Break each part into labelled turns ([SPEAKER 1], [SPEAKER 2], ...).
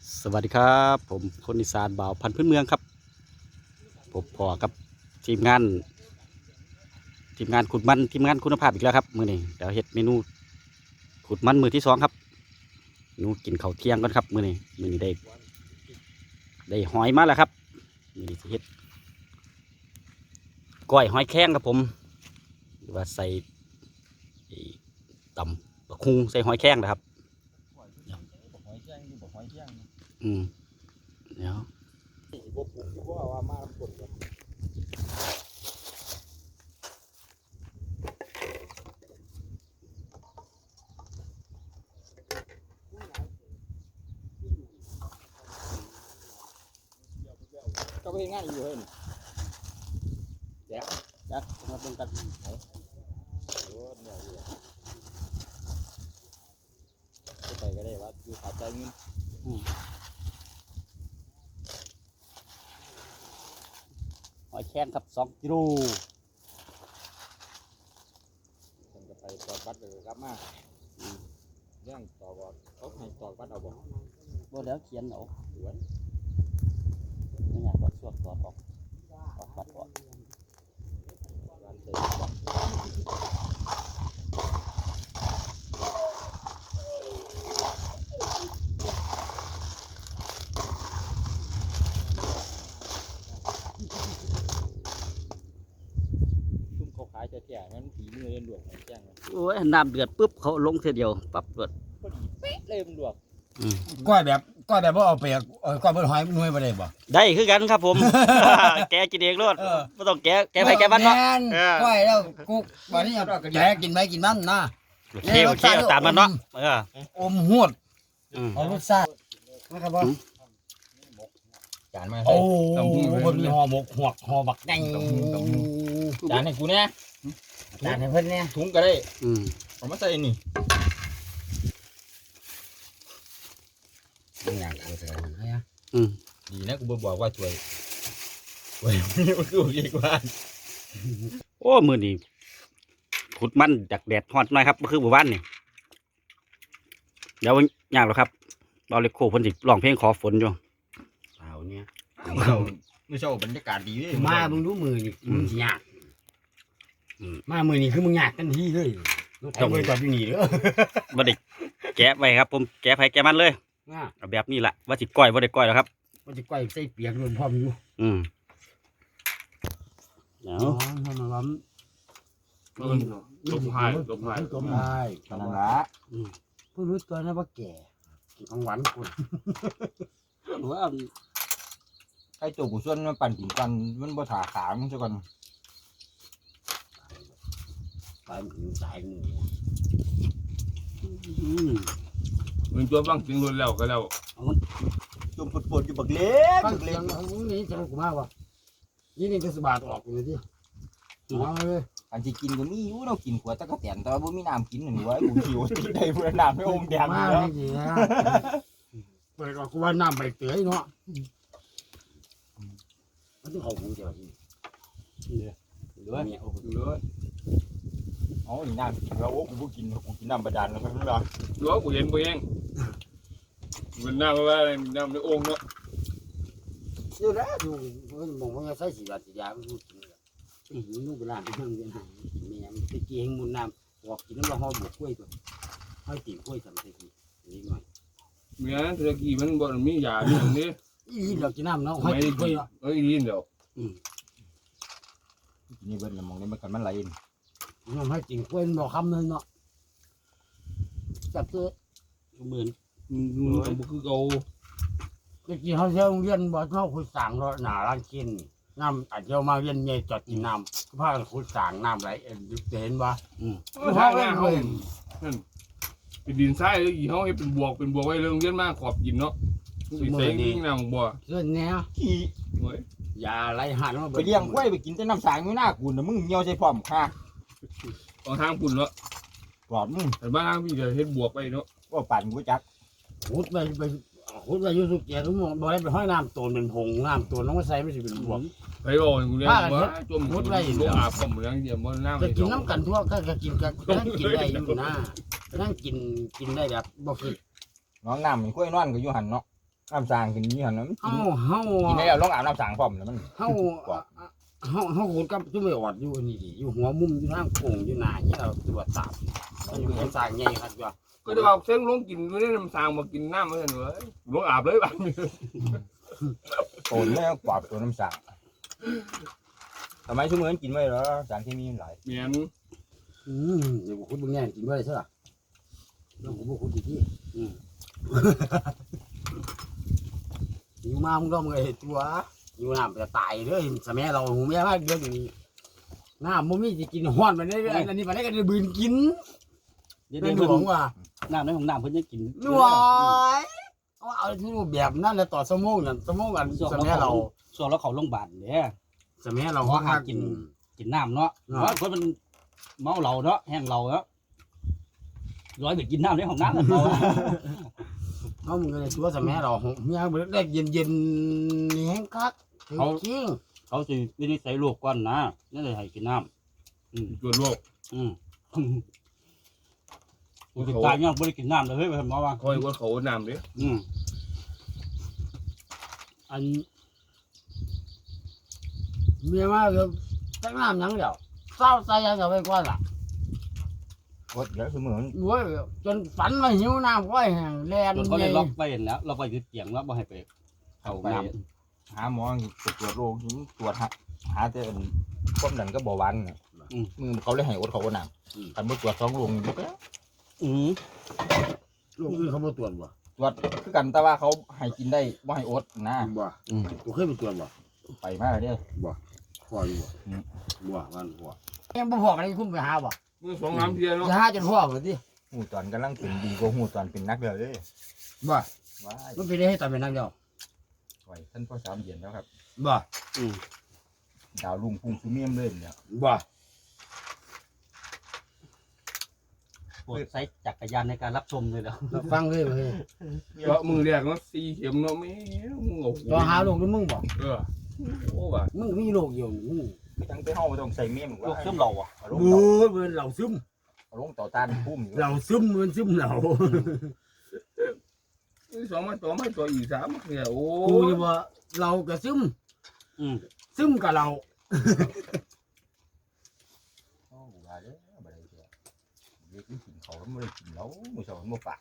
[SPEAKER 1] สวัสดีครับผมคนอีสานบ่าวพันธุ์พื้นเมืองครับผมพอกับทีมงานขุดมันทีมงานคุณภาพอีกแล้วครับมื้อนี้เดี๋ยวเฮ็ดเมนูขุดมันมื้อที่สองครับเมนูกินข้าวเที่ยงกันครับมื้อนี้ได้หอยมาแล้วครับมื้อนี้สิเฮ็ดก้อยหอยแครงครับผมหรือว่าใส่ไอ้ตำบักหุ่งใส่หอยแครงนะครับอืมเดี๋ยว
[SPEAKER 2] ก็ไปงานอยู่เฮ้ย
[SPEAKER 1] จัดมาเป็นกัน
[SPEAKER 2] โอ้เนี่ยอยู่ไปก็ได้ว่าอยู่ขาดใจเงิน
[SPEAKER 1] หอยแครงครับ2 กิโล
[SPEAKER 2] คนจะไปตอดบัตรเลยกลับมาเรื่องต่อบัตรเขาให้ตอดบัตรเอาบ่
[SPEAKER 1] บ่แล้วเขียนเอา
[SPEAKER 2] สวย
[SPEAKER 1] ไม่อยากวัดสวดตอดออกวัดออก
[SPEAKER 2] ร้านเสร็จซุ่มเขาขายจะแก่นั้นผีมือเล่นหลวงแจ้งเลย
[SPEAKER 1] โอ้ยน้ำเดือดปุ๊บเขาลงเทีเดียวปั๊บเดือด
[SPEAKER 2] พอดีเป๊ะเลยมันหลวง
[SPEAKER 3] ก้อยแบบว่าเอาเปลือกก้อยบนหอยหน่วยบ่ได้บ่
[SPEAKER 1] ได้คือกันครับผม แกกินเองรอดไม่ต้องแกไปแกมันเนาะ
[SPEAKER 3] แม่นก้อยแล้วกุ๊กวันนี้แกกินไปกินมันนะ
[SPEAKER 1] โอเคเอาตามมันเนาะ
[SPEAKER 3] อมหวด
[SPEAKER 1] อืม
[SPEAKER 3] เอารสชาตินะครับบ่
[SPEAKER 2] จานมา
[SPEAKER 3] โอ้คนมีห่อหมกหวกห่อบักแดง
[SPEAKER 2] จานให้กูเนี่ย
[SPEAKER 3] จานให้เพิ่นเนี่ย
[SPEAKER 2] ถุงก็ได้
[SPEAKER 1] อืม
[SPEAKER 2] เอามาใส่นี่
[SPEAKER 3] บางอย่างเอาใส่ให้ฮะ
[SPEAKER 1] อืม
[SPEAKER 2] ดีนะกูบอกว่าช่วยนี่มันคือดีกว่า
[SPEAKER 1] โอ้มือนี่ขุดมันจากแดดฮอตหน่อยครับก็คือหมู่บ้านนี่เดี๋ยวยากหรอกครับเราเลยโคเพิ่นสิร้องเพลงขอฝนอยู่เอาเนี่ย
[SPEAKER 2] ไม่ชอบบรรยากาศดีเลย
[SPEAKER 3] มามึงดูมือนี่มึงสิยากมามือนี่คือมึงยากทันทีเลยต้องไปจอดอยู่นี่เด้อ
[SPEAKER 1] บ่ได้แกะไว้ครับผมแกะไผแกะมันเลย
[SPEAKER 3] ง่า
[SPEAKER 1] เอาแบบนี้แหละว่าสิก้อยบ่ได้ก้อยแล้วครับ
[SPEAKER 3] มันจะก้อยใส่เปียกรวมพร้อมอยู่
[SPEAKER 1] อืมเดี๋ยว
[SPEAKER 3] ให้มันล้ำ
[SPEAKER 4] ลบหาย
[SPEAKER 3] ลบหาย
[SPEAKER 2] ตอนนั้นละ
[SPEAKER 3] เพิ่งรู้ตัวนะว่าแก่กินของหวานคน
[SPEAKER 1] ว่า
[SPEAKER 2] ไอ้ตัวกูส่วนมันปั่นกินกันมันบ่ถาขามันซะก่อน
[SPEAKER 3] ตายมือตายมือ
[SPEAKER 4] มึงตัวบ้างจริงรุนแล้วก็แล้ว
[SPEAKER 2] จุ่มปวดอยู่บักเล็ก
[SPEAKER 3] ฟัง
[SPEAKER 2] บัก
[SPEAKER 3] เสี
[SPEAKER 2] เล็
[SPEAKER 3] ย
[SPEAKER 2] ก
[SPEAKER 3] งของนี้จะกูมากวะนี่ก็สบายออกเลยที่เอาเลย
[SPEAKER 2] อันที่กินก็มีอยู่เรากินขวดตะกะแตนแต่ว่าบ่มีน้ำกินหนึ่งไว้กูหิวติดได้เพื่อน้ำไม่อมแดง
[SPEAKER 3] มา
[SPEAKER 2] แล้ว
[SPEAKER 3] เลยจีนะเปิดก็กูว่าน้ำใบเตยเนาะมันต้องเอาหูเดียวที่
[SPEAKER 2] เหลือเนี่ยโอ้โหเหลืออ๋อนี่น้ำกินแล้วโอ้กูบ่กินกูกินน้ำบาดาลแล้วมันไม่ได้
[SPEAKER 4] รู้ว่ากูเห็นกูเองมันน้ำว่าอะไรน้ำในโอ่งเนาะ
[SPEAKER 3] เดี๋ยวแล้วดูมันมองว่าใส่สีดาสีดามันกินเลยนุ่งกระดาษนั่งเรียนหากินเมียมันตะกี้ให้มุนน้ำออกกินน้ำละห่อบวกกล้วยตัวให้ตีกล้วยทำตะกี้นี่หน่อย
[SPEAKER 4] เมียตะกี้มันบ่มียาเรื่องนี้
[SPEAKER 3] อีเรากินน้ำเนาะให้ตีกล้วยเนาะ
[SPEAKER 4] เอ้ยยินเดี๋ยว
[SPEAKER 2] นี่เบิ้ลมองนี่มันกันมันไหล
[SPEAKER 3] น้ำให้ตีกล้วยบอกคำนึงเนาะจับเจอ
[SPEAKER 1] หมื่น
[SPEAKER 4] มันก็คือเอา
[SPEAKER 3] ตะกี้เขาเช่าเรียนบ่เขาคุยสั่งเราหนาร้านกินน้ำอาจจะมาเรียนใหญ่จอดกินน้ำเพราะคุยสั่งน้ำไหลเห็นบ่
[SPEAKER 4] ทางหน้าเขาเป็นดินทรายแล้วอีเขาให้เป็นบวกไว้เรื่องเลี้ยนมากขอบกินเนาะสีเซ็งน้ำบ่
[SPEAKER 3] เรื่องเนี้ย
[SPEAKER 2] ขี้
[SPEAKER 4] เฮ้ย
[SPEAKER 3] ยาไรหันมา
[SPEAKER 2] ไปเลี้ยงควายไปกินแต่น้ำสางไม่น่ากูนะมึงเหี่ยวใส่พร้อมค่ะ
[SPEAKER 4] ตอนทางปุ่นเนาะ
[SPEAKER 2] กรอบมึง
[SPEAKER 4] แต่บ้านทางพี่จะเฮ็ดบวกไปเนาะ
[SPEAKER 2] ว่าปั่นกูจัก
[SPEAKER 3] หุดไปหุดไปยุสุกเกียร์ทุกมองบ่ได้ไปห้อยน้ำตัวเป็นผงน้ำตัวน้องว่าใส่ไม่ใช่เป็นบวก
[SPEAKER 4] ไปบอกกูเรียกว่าจมมุดไรบ่อาบผมเรื่องเดียวมันน้ำ
[SPEAKER 3] จะกินน้ำกันทั่วก็กินกันนั่งกินได้อยู่นะนั่งกินได้แบบบ่คิด
[SPEAKER 2] น้องน้ำมันควายนอนก็อยู่หันเนาะน้ำสางกินนี่หันมัน
[SPEAKER 3] เฮา
[SPEAKER 2] กินได้แล้วลองอาบน้ำสางพร้อมแล้วมัน
[SPEAKER 3] เฮาขุดกับจุ่มไปออดอยู่นี่ดิอยู่หัวมุมอยู่ทางโค้งอยู่หน้าเนี่ยเราตรวจสอบมันอยู่สร้างใหญ่ครับจ้ะ
[SPEAKER 4] ก็จะบอกเส้นลงกินไม่ได้น้ำสางมากินน้ำไม่ใช่เหรอลงอาบเลยบ้าง
[SPEAKER 2] โตนแม่กวาดตัวน้ำสางทำไมชั่วโมงนั้นกินไม่หรอสารเคมีมันหลาย
[SPEAKER 4] เมียน
[SPEAKER 3] เดี๋ยวคุณเบิ่งแง่กินบ่ได้ใช่ป่ะแล้วผมบ่คุณอีกทีอยู่มามึงก็มึงไอ้ตัวอยู่น้ำจะตายเด้อสมัยเราหูแม่มากเรื่องนี้น้ำบ่มีสิกินฮ้อนไปได้อันนี้ไปได้ก็ได้บืนกิน
[SPEAKER 1] เดี๋ยว
[SPEAKER 3] เป็นห
[SPEAKER 1] เพิ่
[SPEAKER 3] ลวง
[SPEAKER 1] น
[SPEAKER 3] ว่ะ
[SPEAKER 1] น้ำในของน้ำเพิ่นยังกิน
[SPEAKER 3] หน่วยเอาที่รูปแบบนั้นแล้วต่อสมองนั่นสมองอันสมัยเรา
[SPEAKER 1] ส่วนเราเขาโรงพยาบาลเด้
[SPEAKER 3] สมัยเรา
[SPEAKER 1] กินน้ำเนาะเพราะคนมันเมาเหล้าเนาะแห้งเหล้าเนาะร้อยไปกินน้ำในของน้ำแล้วเมา
[SPEAKER 3] เขามึงก็เลยตัวสมัยเราเมียมันได้เย็นๆแห้งคักจริง
[SPEAKER 1] เขาสิวินิจฉัยโรคก่อนนะนั่นเลยให้กินน้ำ
[SPEAKER 4] ตัวโรค
[SPEAKER 1] กูจะตายยังไม่ได้กินน้ำเลยเฮ้ยไปทำมาว่า
[SPEAKER 4] คอยว่าเขาน้ำดิ
[SPEAKER 3] อันเมียมาก็ตั้งน้ำยังเดียวเศร้าใจยังจะไปก่อนล่ะ
[SPEAKER 2] กดเดี๋ยวชั่วโมงนั้น
[SPEAKER 3] โว้ยจนฝันมาหิวน้ำก้อยแห้งแลน
[SPEAKER 1] จนเขาเลยล็อกไปแล้วล็อกไปยึดเตียงแล้วบ่ให้ไป
[SPEAKER 2] เอา
[SPEAKER 1] เข้า
[SPEAKER 2] ไป
[SPEAKER 1] น้
[SPEAKER 2] หาหมอตรวจโรคตรวจหาแต่ความดันก็เบาหวานมือเขาเลยให้อดเขาน้ำคันบ่ตรวจ2 โรคนี่ก็
[SPEAKER 3] ลูกอื่นเขาบ่ตรวจบ่
[SPEAKER 2] ตรวจคือกันแต่ว่าเขาให้กินได้บ่ให้อดนะ
[SPEAKER 3] บ่กูเคยไปตรวจบ่
[SPEAKER 2] ไปมาแล้วเด้อ
[SPEAKER 3] พออยู่บ่วันพอยังบ่พอกันคุ้มไปหาบ่
[SPEAKER 4] มือสองน้ำเทียนเนาะ
[SPEAKER 3] จะหาจนพอบ่ติ
[SPEAKER 2] หูตอนกำลังเป็นดีกว่าหูตอนเป็นนักเด้อเด้อ
[SPEAKER 3] บ่
[SPEAKER 2] ว้าย
[SPEAKER 3] มันเป็นได้ให้ตอนเป็นนักเดียว
[SPEAKER 2] ไหวท่านพ่อ3 เดือนแล้วครับ
[SPEAKER 3] บ่
[SPEAKER 2] ดาวลุงพุ่งซูเมียมเลยเนี่ย
[SPEAKER 3] บ่
[SPEAKER 1] ำปวดใช้จักรยานในการรับชมเลยแล้ว
[SPEAKER 3] ฟังเลยเฮ้ย
[SPEAKER 4] เพราะมือแรกเนาะ4 เข็มเนาะแม่มึงโอ้โห
[SPEAKER 3] ต่อหาลูกด้วยมึงบ่
[SPEAKER 4] โอ้ว่ะ
[SPEAKER 3] มึงมีโรคเดียวมึง
[SPEAKER 2] จังไปเฮาบ่ต้องใส่เมียม
[SPEAKER 1] โรคซึมเหล้าอ่ะ
[SPEAKER 2] เอาลง
[SPEAKER 3] บูเบิ่นเหล่าซึม
[SPEAKER 2] เอาลงต่อต้านพุ่มอยู่
[SPEAKER 3] เหล่าซึมเบิ่นซึมเหล่า
[SPEAKER 4] สองมาต่อมาต่ออีก3เนี่ยโอ้
[SPEAKER 3] กูนี่บ่เราก็ซึมซึมกับเรา
[SPEAKER 2] โอ้ว่าเด้อบ่ได้เด้อเด็กกินเขาแล้วบ่ได้กินแล้วมื้อเช้ามันบ่ฝาก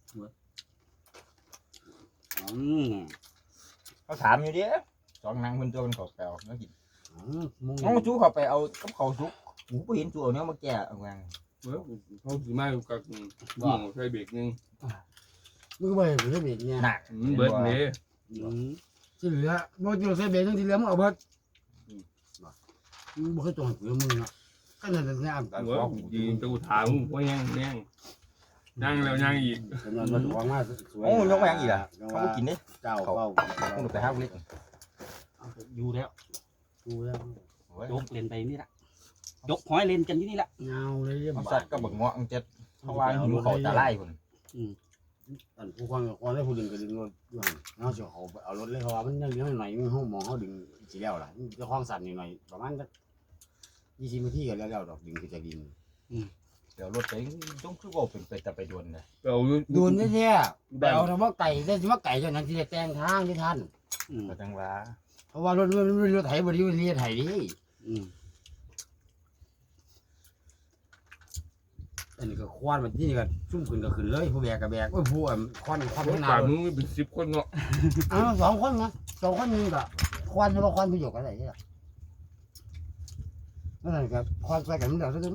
[SPEAKER 2] เขาถามอยู่เด้อ2นางเพิ่นตัวเพิ่นขอไปเอาแล้วกิน
[SPEAKER 3] มึง
[SPEAKER 2] น้องจูเข้าไปเอากับเขาสุกกูบ่เห็นจูเอาเนี้ยมาแก่เอาวาง
[SPEAKER 4] เขาสิมากับบ่ใส่เบรกนึง
[SPEAKER 3] มึงบ่ให้กูใส่เบรกเนี่ย
[SPEAKER 2] หนัก
[SPEAKER 4] เบิดเลย
[SPEAKER 3] ที่เหลือบ่อยู่ใส่เบรกนึงที่เหลือมึงเอาเบิดมึงบ่เคยตัวให้กูมึงเนาะก็นั่นแหละ
[SPEAKER 4] กันว่ายิงตูถามว่ายังนั่งแล้วยังอีก
[SPEAKER 3] กำลังมันวางมาสวย
[SPEAKER 2] โอ้ยกมาอย่างอีกอ่ะเขาบ่กินเด้
[SPEAKER 3] เจ้าเป้า
[SPEAKER 2] ต้องไปหาเล็ก
[SPEAKER 1] อยู่แล้ว
[SPEAKER 3] กูแล้ว
[SPEAKER 2] โอ้ย
[SPEAKER 1] ยกเลนไปนี่ละยกหอยเลนกันที่นี่ละ
[SPEAKER 3] เงาเลยเรียบ
[SPEAKER 2] มัน
[SPEAKER 3] ร้อ
[SPEAKER 2] สั
[SPEAKER 3] ย
[SPEAKER 2] ตว์ก็บักเงาะมันจะเพราะว่าอยู่เขาตะไล่พุ่น
[SPEAKER 3] อันผู้คนได้ผู้ดึงก็ดึงรถอยู่หั่นเฮาสิเอารถเลยเพราะว่ามันยังเหลือหน่อยมึงเฮามองเฮาดึงสิแล้วล่ะเจ้าของสัตว์นิดหน่อยประมาณ20 นาทีก็แล้วดอกดึงคือจะดิน
[SPEAKER 2] เดี๋ยวรถไปต้องคือว่าเป็นไปแต่ไปดวนเลย
[SPEAKER 4] เรา
[SPEAKER 3] โดนแท้ๆแต่เอาแต่ว่าไก่แต่ว่าไก่เท่านั้นที่จะแต่งทางที่ท่าน
[SPEAKER 2] ก็จังว่า
[SPEAKER 3] เพราะว่ารถไถบริวารไถดิอันนี้ก็ควานมันที่นี่ก็ซุ่มขึ้นก็ขึ้นเลยผู้แบกก็แบกผู้ควานข้างหน้า
[SPEAKER 4] ป่ามึงเป็น10 คนเนาะ
[SPEAKER 3] 2 คนนะ2 คนนึงก็ควานว่าควานประโยชน์อะไรเนี่ยนั่นก็ควานใส่กันมันเดี๋ยวซะ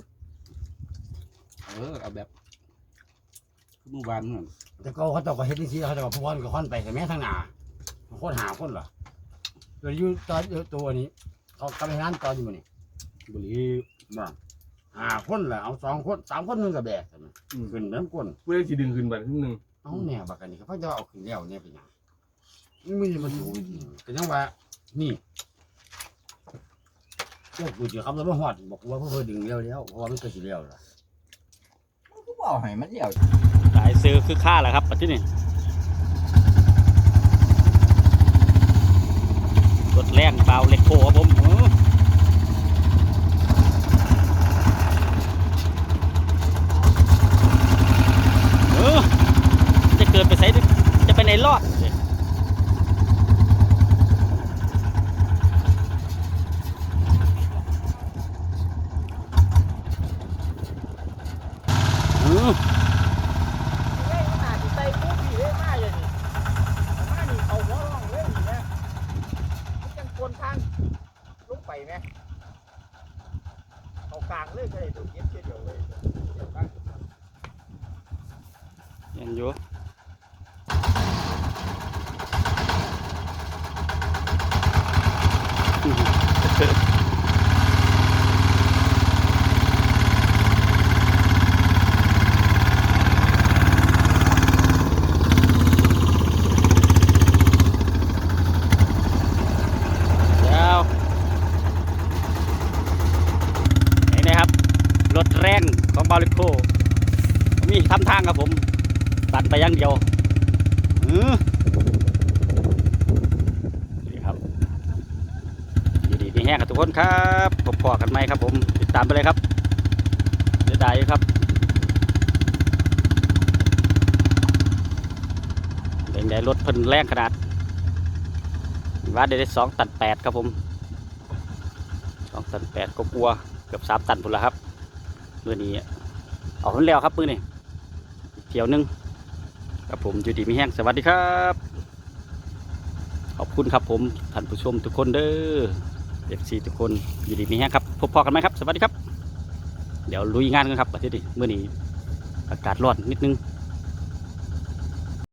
[SPEAKER 1] เอาแบบเมื่อวานนั่น
[SPEAKER 3] แต่เขาต้องก็เฮ็ดนี่เขาจะว่าผู้ควานก็ควานไปแต่แม้ทางหน้าคนหาคนเหรอเดี๋ยวอยู่ตอนตัวนี้เขากำลังนั้นตอนอยู่นี่
[SPEAKER 1] บุหรี่
[SPEAKER 3] บ้างคนแหละเอา2 คน3 คนนึงก็แบกใช่ไหมขึ้นน้ำก้น
[SPEAKER 4] เพื่อสิดึงขึ้นบัดนึง
[SPEAKER 3] เอาแน่บักอันนี้เขาจะเอาขึ้นแล้วเนี่ยเป็นยังไม่ได้มาดูก็ยังว่านี่เจ้ากูจะขับรถมาหอดบอกว่าเพื่อดึงเลี้ยวเพราะว่ามันเกิดสิเลี้ยวล่ะ
[SPEAKER 2] ก็ว่าให้มันเดี่ยว
[SPEAKER 1] สายซื้อคือค่าแหละครับปัจจุบันรถแรงเปล่าเล็กโคครับผมจะเกิดไปใส่จะไปในรอด
[SPEAKER 2] ตัวเก็บเดียวเลยเดี๋ยวบ้าง
[SPEAKER 1] ยังอยู่แล้วนี่นะครับรถแรงของบาริโคมีทำทางครับผมตัดไปอย่างเดียวนี่ครับอยู่ดีมีแห้งกับทุกคนครับพบกันไหมครับผมติดตามไปเลยครับเดี๋ยวได้ครับเร่งได้รถเพิ่นแรงขนาดว่าได้2 ตัน 8ครับผม2 ตัน 8ก็กลัวเกือบ3 ตันพุ่นละครับมือนี้ออกขึ้นแล้วครับมือนี้เที่ยวนึงครับผมอยู่ดีมีแห้งสวัสดีครับขอบคุณครับผมท่านผู้ชมทุกคนเด้อ FC ทุกคนอยู่ดีมีแห้งครับพบกันไหมครับสวัสดีครับเดี๋ยวลุยงานกันครับประเทศนี้มือนี้อากาศร้อนนิดนึง